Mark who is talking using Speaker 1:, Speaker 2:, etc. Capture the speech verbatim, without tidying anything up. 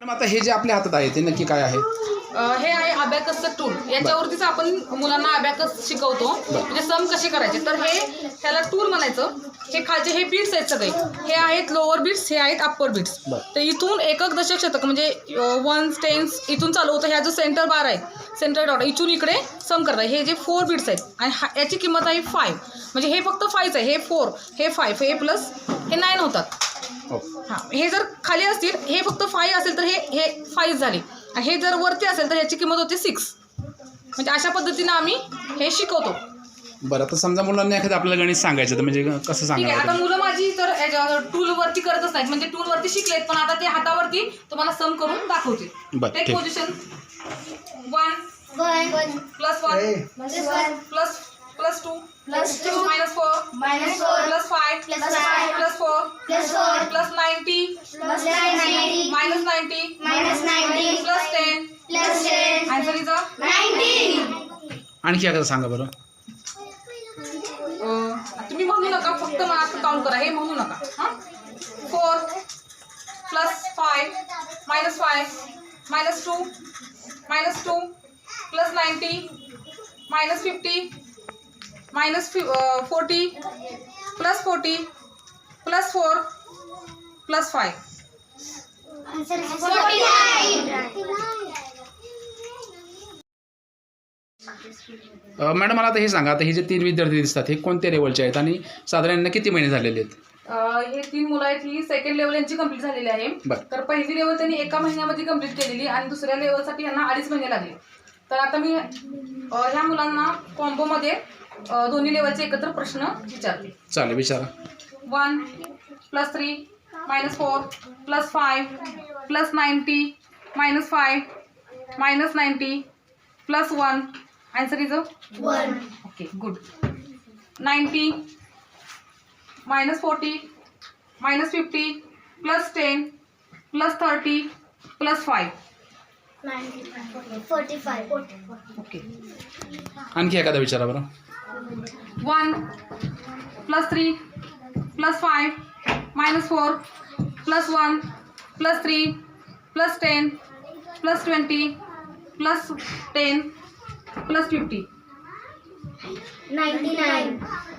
Speaker 1: आता हे जे आपल्या हातात आहे ते नक्की काय आहे?
Speaker 2: हे आहे अबॅकसचं टूल. याच्यावरतीच आपण मुलांना अबॅकस शिकवतो, म्हणजे सम कसे करायचे. तर हे त्याला टूल म्हणायचं. हे खालचे हे बीट्स आहेत सगळे, हे आहेत लोअर बीट्स, हे आहेत अप्पर बीट्स. तर इथून एकक दशक शतक म्हणजे वन्स टेन्स इथून चालू होतं. ह्या जो सेंटर बार आहे, सेंटर डॉट, इथून इकडे सम करतात. हे जे फोर बीट्स आहेत आणि याची किंमत आहे फाईव्ह. म्हणजे हे फक्त फाईव्ह आहे, हे फोर, हे फाईव्ह, हे प्लस हे नाईन होतात. हां, हे जर खाली असतील, हे फक्त फाईव्ह असेल तर हे हे फाईव्ह झाले. आणि हे जर वरती असेल तर ह्याची किंमत होते सिक्स. म्हणजे अशा पद्धतीनं आम्ही हे शिकवतो.
Speaker 1: बरं, तर समजा मुलांना एखादं आपल्याला गणित सांगायचं तर म्हणजे कसं
Speaker 2: ठीक आहे.
Speaker 1: सांगायचं?
Speaker 2: आता मुलं माझी तर टूलवरती करतच नाहीत, म्हणजे टूलवरती शिकलेत, पण आता ते हातावरती तुम्हाला सम करून दाखवतील.
Speaker 1: बरं,
Speaker 2: टेक
Speaker 1: ठीक.
Speaker 2: Position one plus one plus plus two
Speaker 3: Plus two.
Speaker 2: Minus four
Speaker 3: Minus four.
Speaker 2: Plus five
Speaker 3: Plus five.
Speaker 2: Plus four
Speaker 3: Plus four.
Speaker 2: Plus ninety
Speaker 3: Plus ninety.
Speaker 2: Minus ninety
Speaker 3: Minus ninety.
Speaker 2: Plus ten.
Speaker 3: Plus ten.
Speaker 2: Answer is
Speaker 3: Ninety.
Speaker 1: आणखी एखादं सांगा बरं.
Speaker 2: तुम्ही म्हणू नका, फक्त मला count करा, हे म्हणू नका. हां, four plus five minus five minus two minus two plus ninety minus fifty minus फि forty plus forty plus four plus five.
Speaker 3: Answer is forty-nine.
Speaker 1: Madam मला आता हे सांगा, आता हे जे तीन विद्यार्थी दिसतात हे कोणत्या लेवलचे आहेत आणि साधारण यांना किती महिने झालेले आहेत?
Speaker 2: हे तीन मुलं आहेत, ही सेकंड लेवल यांची कंप्लीट झालेली आहे.
Speaker 1: बरं.
Speaker 2: तर पहिली लेवल त्यांनी एका महिन्यामध्ये कंप्लीट केलेली आणि दुसऱ्या लेवलसाठी यांना अडीच महिने लागले. तर आता मी ह्या मुलांना कॉम्बोमध्ये दोन्ही लेवलचे एकत्र प्रश्न विचारले.
Speaker 1: चालेल, विचारा.
Speaker 2: One plus three minus four plus five plus ninety minus five minus ninety plus one. Answer is
Speaker 3: One.
Speaker 2: Okay, good. Ninety minus forty minus fifty plus ten plus thirty plus five.
Speaker 3: Forty-five.
Speaker 2: Okay.
Speaker 1: आणखी एखादा विचारा बरं.
Speaker 2: One plus three plus five minus four plus one plus three plus ten plus twenty plus ten plus fifty.
Speaker 3: Ninety-nine.